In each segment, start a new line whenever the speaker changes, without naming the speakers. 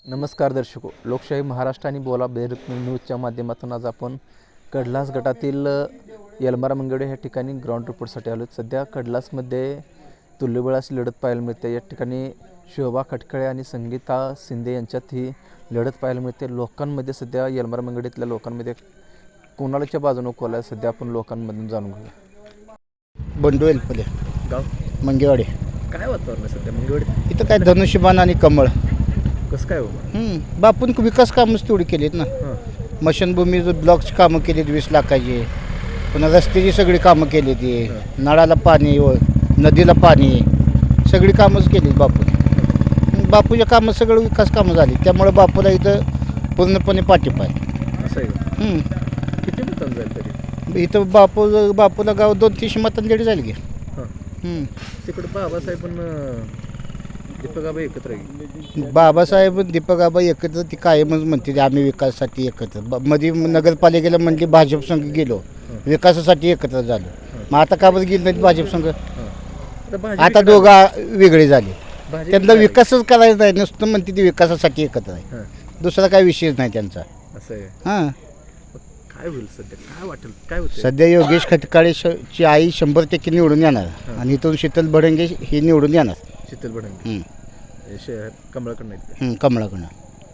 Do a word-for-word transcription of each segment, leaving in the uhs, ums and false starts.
नमस्कार दर्शको, लोकशाही महाराष्ट्र आणि बोला बेरुत न्यूजच्या माध्यमातून आज आपण कडलास गटातील यलमारा मंगेवाडी ह्या ठिकाणी ग्राउंड रिपोर्टसाठी आलो. सध्या कडलासमध्ये तुल्यबळ अशी लढत पाहायला मिळते. या ठिकाणी शोभा खटकळे आणि संगीता शिंदे यांच्यात ही लढत पाहायला मिळते. लोकांमध्ये सध्या यलमारा मंगेवाडीतल्या लोकांमध्ये कोणाच्या बाजूने कोल आहे सध्या आपण लोकांमधून जाणून घेऊया.
बंडू एलपले
गाव
मंगेवाडी.
काय वातावरण आहे सध्या मंगेवाडीत?
इथं काय धनुष्यबाण आणि कमळ.
कसं काय हो?
हम्म, बापून विकास कामच तेवढी केलीत ना. मशनभूमीचं ब्लॉकची कामं केलीत वीस लाखाची. पुन्हा रस्त्याची सगळी कामं केली ती. नळाला पाणी व नदीला पाणी सगळी कामंच केलीत बापूने. बापूच्या कामं सगळं विकास कामं झाली. त्यामुळे बापूला इथं पूर्णपणे पाठिंबा आहे.
असं आहे.
हम्म.
किती मतांनी जाईल तरी?
इथं बापू बापूला गाव दोन तीनशे मतांनी जरी जाईल की.
हां, तिकडं बाबासाहेब पण दीपक आबा एकत्र आहे.
बाबासाहेब दीपक आबा एकत्र ती कायमच म्हणते आम्ही विकासासाठी एकत्र. ब- मध्ये नगरपालिकेला म्हणली भाजप संघ गेलो विकासासाठी एकत्र झालो. मग आता का बरं गेली नाही भाजप संघ? आता दोघा वेगळे झाले. त्यांना विकासच करायचा नाही, नुसतं म्हणते ती विकासासाठी एकत्र आहे. दुसरा काय विषयच नाही त्यांचा.
असं आहे.
हां,
काय होईल सध्या? काय वाटेल? काय होतं?
सध्या योगेश खटकाळे श- ची आई शंभर टक्के निवडून येणार आणि इथून शीतल भडंगे ही निवडून येणार.
शीतल भडंगे
हम्म,
कमळाकडनं आहेत.
हम्म, कमळाकडनं.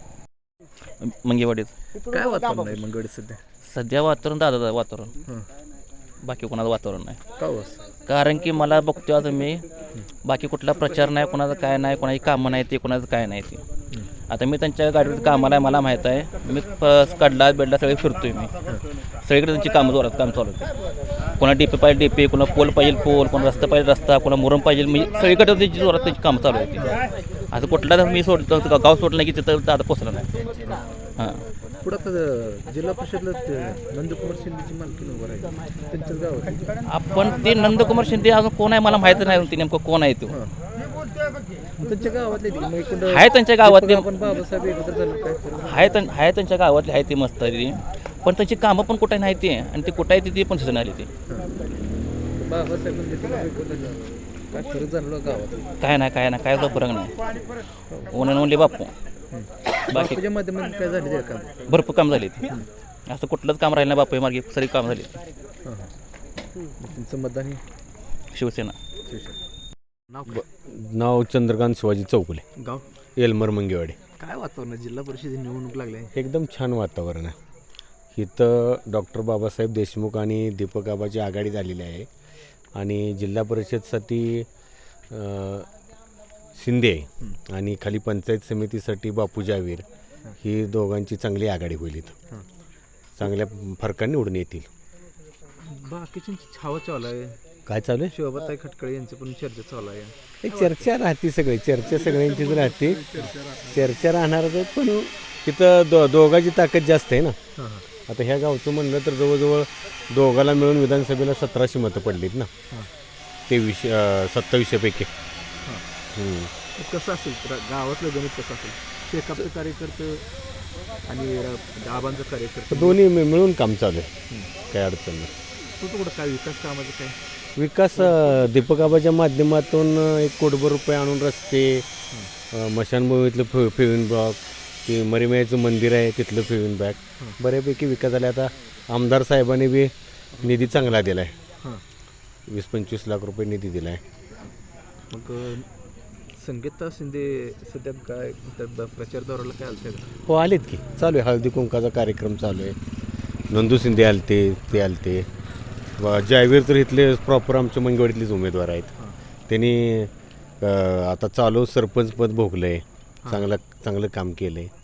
मंगेवाडीत
काय वातावरण आहे मंगेवाडीत सध्या?
सध्या वातावरण दादाचं वातावरण,
हं.
बाकी कोणाचं वातावरण नाही.
का हो असं?
कारण की मला बघतो आता मी बाकी कुठला प्रचार नाही, कोणाचं काय नाही, कोणाची कामं नाही ते, कोणाचं काय नाही ते. आता मी त्यांच्या गाडीवर कामाला आहे, मला माहीत आहे. मी प- कडला बेडला सगळे फिरतोय मी. सगळीकडे त्यांची कामं जोरात काम चालू होते. कोणा डी पी पाहिजे डी पी, कोणा पोल पाहिजे पोल, कोणा रस्ता पाहिजे रस्ता, कोणा मुरम पाहिजे. मी सगळीकडे त्यांची जोरात त्यांची कामं चालू होती. आता कुठला मी सोडतो गाव सोडलं नाही की तिथं दादा पोचला नाही. हां,
पुढं आता जिल्हा परिषदला ते नंदकुमार शिंदेची मालकी उभं राहील त्यांच्याच गावात.
आपण ते नंदकुमार शिंदे अजून कोण आहे मला माहिती नाही. ते नेमकं कोण आहे तो?
त्यांच्या गावातले ते मग इकडं
आहे त्यांच्या गावातले,
आपण बाबासाहेब एकत्र झालं काय करू?
आहे त्यां आहे त्यांच्या गावातले आहे ते मस्त आहे ते. पण त्यांची कामं पण कुठे नाही ते, आणि ते कुठं आहे ते पण सुचून आली ते.
बाबासाहेब काय खरं झालं गावात?
काय नाही काय नाही काय फरक नाही. ओनन म्हणले बापू बाकी
बापूच्या माध्यमातून काय झाले ते काम?
भरपूर काम झाले ते. असं कुठलंच काम राहिलं नाही बापू मार्गे, सगळी काम झाली.
हां हां. तुमचं मतदान हे
शिवसेना.
शिवसेना. नाव काय?
नाव चंद्रकांत शिवाजी चौगुले,
गाव?
येलमर मंगेवाडी.
काय वातावरण आहे? जिल्हा परिषद निवडणूक लागली आहे.
एकदम छान वातावरण आहे. इथं डॉक्टर बाबासाहेब देशमुख आणि दीपक आबाची आघाडी झालेली आहे. आणि जिल्हा परिषदसाठी अ, शिंदे आहे आणि खाली पंचायत समितीसाठी बापू जावीर, ही दोघांची चांगली आघाडी होईल. इथं चांगल्या फरकाने निवडून येतील.
बाकीच्यांची छावा चालू आहे.
काय चालू आहे?
शोभाताई खटकळे यांचं पण चर्चा चालू आहे.
हे चर्चा राहते, सगळी चर्चा सगळ्यांचीच राहते. चर्चा राहणारच आहे, पण तिथं दो दोघांची ताकद जास्त आहे ना.
हां हां.
आता ह्या गावचं म्हणलं तर जवळजवळ दोघाला मिळून विधानसभेला सतराशे मतं पडलीत ना. तेवीसशे सत्तावीसशेपैकी.
कसं असेल तर गावातलं गणित कसं असेल? शेकापचं कार्यकर्ते आणि आबांचं कार्यकर्ते
दोन्ही मि- मिळून काम चालू आहे, काही अडचण नाही.
तू कुठं काय विकास कामाचं काय?
विकास अं, दीपक आबाच्या माध्यमातून अं, एक कोटभर रुपये आणून रस्ते, अं, मशानभूमीतलं फि फिविंग ब्लॉक, ते मरीमाईचं मंदिर आहे तिथलं फिविंग बॅग, बऱ्यापैकी विकास झाला. आता आमदार साहेबांनी बी निधी चांगला दिला आहे.
हां.
वीस पंचवीस लाख रुपये निधी दिला आहे.
मग संगीता शिंदे सध्या काय त्या प्रचार दौऱ्याला काय आलं का?
हो, आलेत की. चालू आहे हळदी कुंकाचा कार्यक्रम चालू आहे. नंदू शिंदे आलते, ते आलते. व जायवीर तर इथले प्रॉपर आमच्या मंगेवाडीतलेच उमेदवार आहेत. त्यांनी अं, आता चालू सरपंच पद भोगलं आहे. चांगलं चांगलं काम केलं आहे.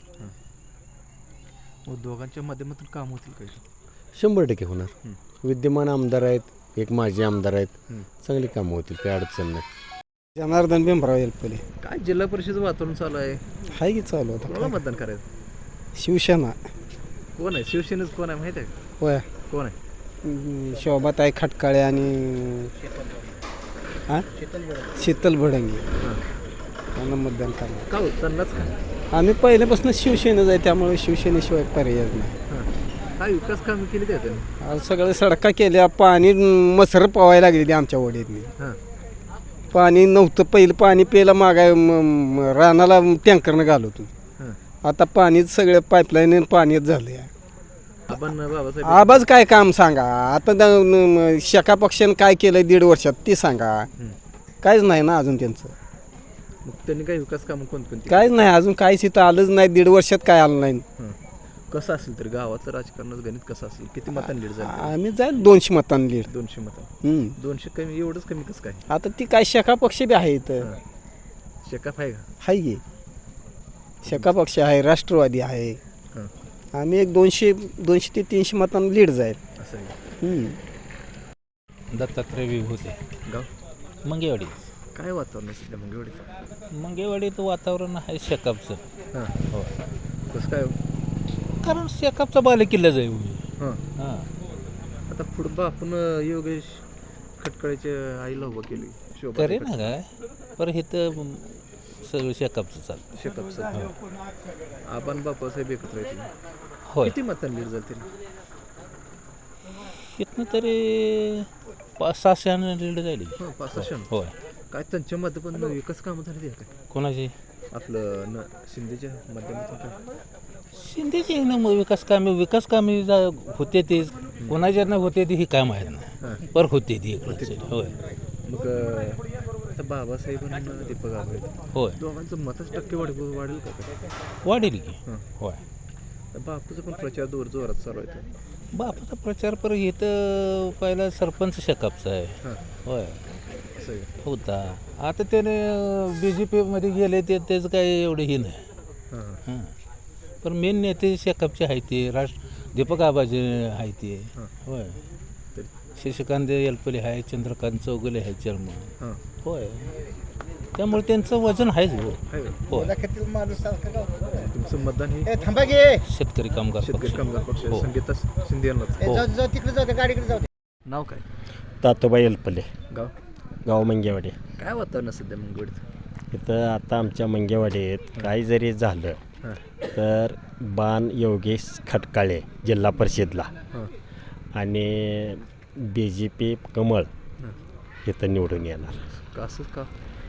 मग दोघांच्या माध्यमातून काम होतील काय?
शंभर टक्के होणार. विद्यमान आमदार आहेत, एक माजी आमदार आहेत. चांगली कामं होतील, काही अडचण नाही.
जनार्दन भीमराव एलपले.
काय जिल्हा परिषद वातावरण चालू आहे?
हाय की चालू होता.
कोणाला मतदान करायचं?
शिवसेना.
कोण आहे शिवसेनेचं? कोण आहे माहिती आहे का?
होय.
कोण आहे?
शोभाताई खटकाळे आणि हां शीतल भडंगे यांना मतदान करणार.
का हो त्यांनाच का?
आम्ही पहिल्यापासून शिवसेनेच आहे, त्यामुळे शिवसेनेशिवाय पर्याय नाही.
हां. काय विकास कामं केली त्या त्यांनी?
आज सगळ्या सडका केल्या, पाणी मसर पवायला लागली ती आमच्या वडीतनी.
हां.
पाणी नव्हतं, पहिलं पाणी प्यायला मागाय म- म- रानाला टँकरनं घालवतो.
आता पाणीच सगळं पाईपलाईन पाणीच झालं आहे.
आपण बाबासाहेब
आबाज काय काम सांगा आता द- न- शेका पक्षानं काय केलं दीड वर्षात ते सांगा. काहीच नाही ना अजून त्यांचं,
मग त्यांनी काही विकास कामं कोणकोणती
काहीच नाही अजून, काहीच इथं आलंच नाही, दीड वर्षात काय आलं नाही.
हं. कसं असेल तर गावातलं राजकारणाचं गणित कसं असेल, किती मतांनी लीड झालं?
आम्ही जाईल दोनशे मतांनी लीड.
दोनशे मतं.
हम्म.
दोनशे कमी, एवढंच कमी कसं काय?
आता ती काय शेका पक्ष बी आहे इथं,
हं. शेकाप आहे का?
हाय की शेका पक्ष आहे, राष्ट्रवादी आहे.
हं.
आम्ही एक दोनशे दोनशे ते तीनशे मतांनी लीड जाईल.
असं आहे का?
हम्म.
दत्तात्रय विभूते
गाव
मंगेवाडी.
काय वातावरण आहे सध्या मंगेवाडीचं?
मंगेवाडीचं वातावरण आहे शेकापचं.
हां.
हो,
कसं काय हो?
कारण शेकापचा बालेकिल्ला जाईल.
हां.
हां,
आता पुढं बा आपण योगेश खटकळेच्या आईला उभं केली शोभा
करे ना काय पर इथं सगळं शेकापचं चालतं.
शेकापचं. आपण बापासाहेब एकत्र येतील.
होय,
किती मतांनी लीड जातील?
इथनं तरी पाच सहाशे लीड जाईल.
हां, पाच सहाशे.
होय,
काय त्यांच्या मध्ये पण विकास कामं झाली आहे काय
कोणाची
आपलं न शिंदेच्या माध्यमातून काय?
शिंदेची आहे ना मग विकास कामे विकास कामे जा- होते ते कोणाच्या ना होते ते ही काम आहेत ना, पर होते ती इकडे. होय
मग अं, आता बाबासाहेब आणि दीपक आंबेड
होय,
दोघांचं मतच टक्के वाढ वाढेल का काय?
वाढेल की.
हां.
होय,
तर बापूचा पण प्रचार जोर जोरात चालू आहे.
बापाचा प्रचार पर इथं पहिला सरपंच शेकापचा आहे.
हां.
होय
असं आहे का?
होता, आता त्याने बी जे पीमध्ये गेले ते त्याचं काही एवढं हे नाही.
हां हां.
हां, पण मेन नेते शेकापचे आहे ते राष्ट्र दीपक आबाचे आहे ते.
हां.
होय,
तरी
शशिकांत एलपले आहे, चंद्रकांत चौगुले आहे चेअरमन.
हां.
होय, त्यामुळे त्यांचं वजन आहेच हो.
आहे का?
होय,
तुमचं मतदान हे
थांबा घे
शेतकरी कामगार
शेतकरी
पक्ष.
कामगार पक्ष
हो.
संगीता शिंदे यांनाच.
हो.
तिकडे जाऊ गाडीकडे जाऊ.
नाव काय?
तातोबाई एलपले,
गाव
गाव मंगेवाडी.
काय वातावरण आहे सध्या मंगळवाडीत?
इथं आता आमच्या मंगेवाडीत काही जरी झालं
हां.
तर बाण योगेश खटकाळे जिल्हा परिषदला
हां.
आणि बी जे पी कमळ
हां.
इथं निवडून येणार.
का असंच का?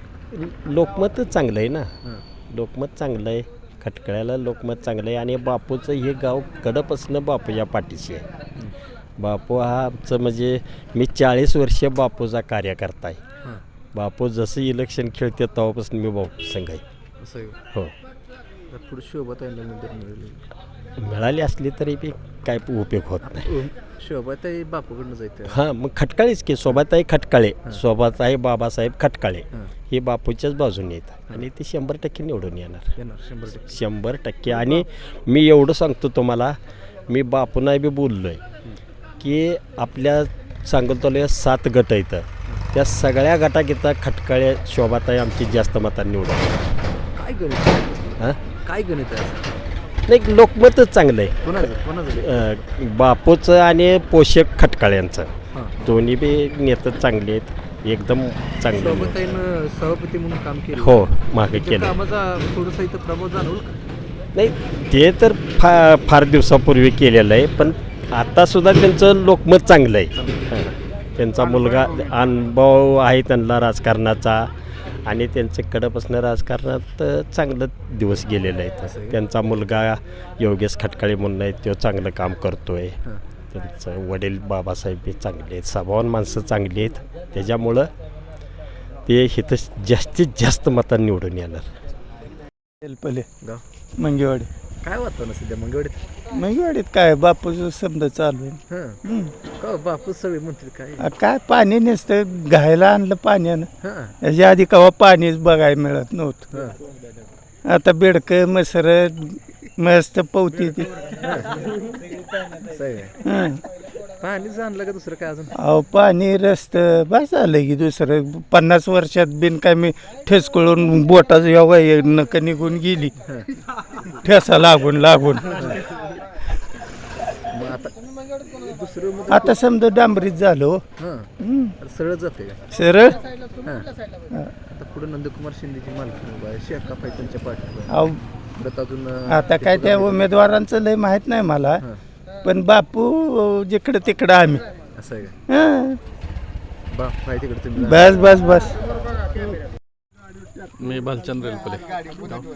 लोकमतच चांगलं आहे ना,
हां.
लोकमत चांगलं आहे, खटकळ्याला लोकमत चांगलं आहे आणि बापूचं हे गाव कडपासनं बापूच्या पाठीशी आहे. बापू हा आमचं म्हणजे मी चाळीस वर्ष बापूचा कार्यकर्ता आहे.
हां.
बापू जसं इलेक्शन खेळते तेव्हापासून मी बापू संघ आहे.
असं आहे का?
हो,
आता पुढे शोभाताईंना उमेदवार मिळेल.
मिळाली असली तरी बी काय उपयोग होत नाही.
शोभाताई बापूकडनं जायचं.
हां, मग खटकाळेच की शोभाताई खटकाळे, शोभाताई बाबासाहेब खटकाळे
हां.
हे बापूच्याच बाजूने येतात आणि ते शंभर टक्के निवडून येणार,
येणार शंभर टक्के.
शंभर टक्के. आणि मी एवढं सांगतो तुम्हाला, मी बापूंना बी बोललो आहे की आपल्या सांगोल तालुक्यात सात गट येतं, त्या सगळ्या गटात इथं खटकाळे शोभाताई आमची जास्त मतांनी निवडून
काय गणित?
हां,
काय गणित आहे?
नाही लोकमतच चांगलं आहे.
कोणाचं कोणाचं?
अं, बापूचं आणि पोषक खटकाळ्यांचं
हां.
दोन्ही बी नेते चांगले आहेत, एकदम चांगले.
शोभाताईनं सभापती म्हणून काम केलं.
हो, मागे
त्यांच्या
केलं.
कामाचा थोडासा इथं प्रभाव जाणवल का?
नाही ते तर फा फार दिवसापूर्वी केलेलं आहे, पण आतासुद्धा त्यांचं लोकमत चांगलं आहे. हां. त्यांचा मुलगा अनुभव आहे त्यांना राजकारणाचा आणि त्यांचं कडपासून राजकारणात चांगलं दिवस गेलेलं आहे. त्यांचा मुलगा योगेश खटकाळे म्हणून आहे, तो चांगलं काम करतो आहे.
हां.
त्यांचं वडील बाबासाहेब हे चांगले आहेत, स्वभावान माणसं चांगली आहेत, त्याच्यामुळं ते इथं जास्तीत जास्त मतांनी निवडून येणार.
एलपले
गाव
मंगेवाडी.
काय वातावरण सध्या मंगळवाडीत?
मंगेवाडीत काय बापूचं समजा चालू आहे.
हां.
हम्म.
का बापू सगळे म्हणतील काय?
आ, काय पाणी नसतं, घायला आणलं पाण्यानं.
हां.
याच्या आधी कवा पाणीच बघायला मिळत नव्हतं.
हां.
आता बेडकं मसर मस्त पवती ती.
असं आहे का?
हं.
पाणी जाणलं का दुसरं काय अजून?
अहो पाणी रस्तं बस झालं की दुसरं पन्नास वर्षात बिन काय मी ठेस कळून बोटाचं योगा नक निघून गेली, ठेसा लागून लागून.
मग आता दुसरं मग
आता समजा डांबरीत झालो.
हां.
हं.
आता सरळ जाते का?
सरळ.
हां. आता पुढे नंदकुमार शिंदेची मालकी उभा आहे, शेकाप आहे त्यांच्या पाठीवर.
अहो
परत अजून अं,
आता काय त्या उमेदवारांचं लय माहित नाही मला,
हां.
पण बापू जिकडं तिकडं आम्ही.
असं आहे का?
हं.
बाप आहे तिकडे तुम्ही.
बस बस बस.
मी भालचंद्र रेलपले.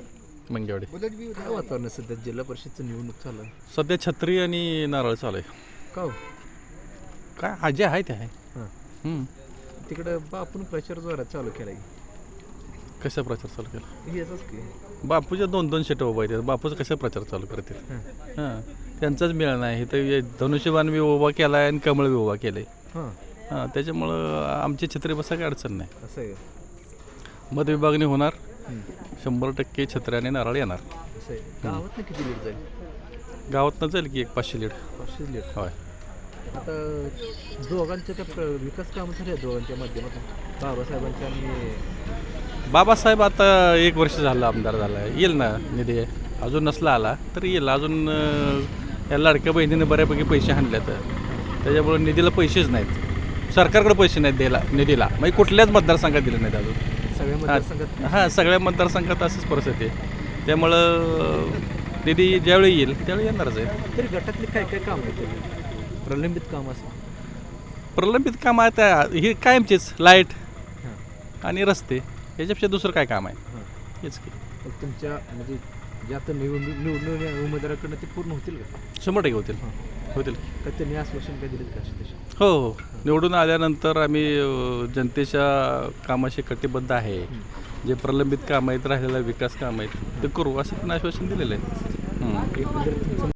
मंगेवाडी.
काय वातावरण आहे सध्या जिल्हा परिषदचं निवडणूक चालू आहे?
सध्या छत्री आणि नारळ चालू आहे.
का हो?
काय हा जे आहे ते आहे.
हां.
हम्म.
तिकडं बापून प्रचार जोरात चालू केला
कशा प्रचार चालू केला?
याचाच की
बापूच्या दोन दोन शेट उभा आहेत. बापूचा कशा प्रचार चालू करतात?
हां.
हां त्यांचाच मेळ नाही. इथं धनुष्यबाण बी उभा केला आहे आणि कमळ बी उभा केलं आहे.
हां
हां त्याच्यामुळं आमची छत्री बसा काही अडचण नाही.
असं आहे का?
मतविभागणी होणार. शंभर टक्के छत्री आणि नारळ येणार.
असं आहे. गावात ना किती लीड जाईल?
गावातनं जाईल की एक पाचशे लीड.
पाचशे लीड.
होय.
आता दोघांच्या त्या प्र- विकास कामं झाले आहेत दोघांच्या माध्यमातून बाबासाहेबांच्या आणि
बाबासाहेब आता एक वर्ष झालं आमदार झाला आहे. येईल ना निधी. अजून नसला आला तर येईल. अजून अं, या लाडक्या बहिणीने बऱ्यापैकी पैसे आणले तर त्याच्यामुळे निधीला पैसेच नाहीत. सरकारकडे पैसे नाहीत द्यायला निधीला. म्हणजे कुठल्याच मतदारसंघात दिले नाहीत अजून.
सगळ्या मतदारसंघात
हां सगळ्या मतदारसंघात असंच परिस्थिती आहे. त्यामुळं निधी ज्यावेळी येईल त्यावेळी येणारच आहे.
तरी गटातले काय काय काम आहे तरी प्रलंबित काम असं?
प्रलंबित काम आता हे कायमचेच लाईट आणि रस्ते याच्यापेक्षा दुसरं काय काम आहे?
हां.
हेच की
मग तुमच्या म्हणजे जे आता निवडणूक निवडणूक उमेदवाराकडनं ते पूर्ण होतील का?
शंभर टक्के होतील. होतील
का त्यांनी आश्वासन काय दिलं का अशी तशी?
हो हो निवडून आल्यानंतर आम्ही अ, जनतेच्या कामाशी कटिबद्ध आहे. जे प्रलंबित काम आहेत राहिलेला विकास काम आहेत ते करू असं पण आश्वासन दिलेलं आहे. हं.
एकंदरीत तुमचं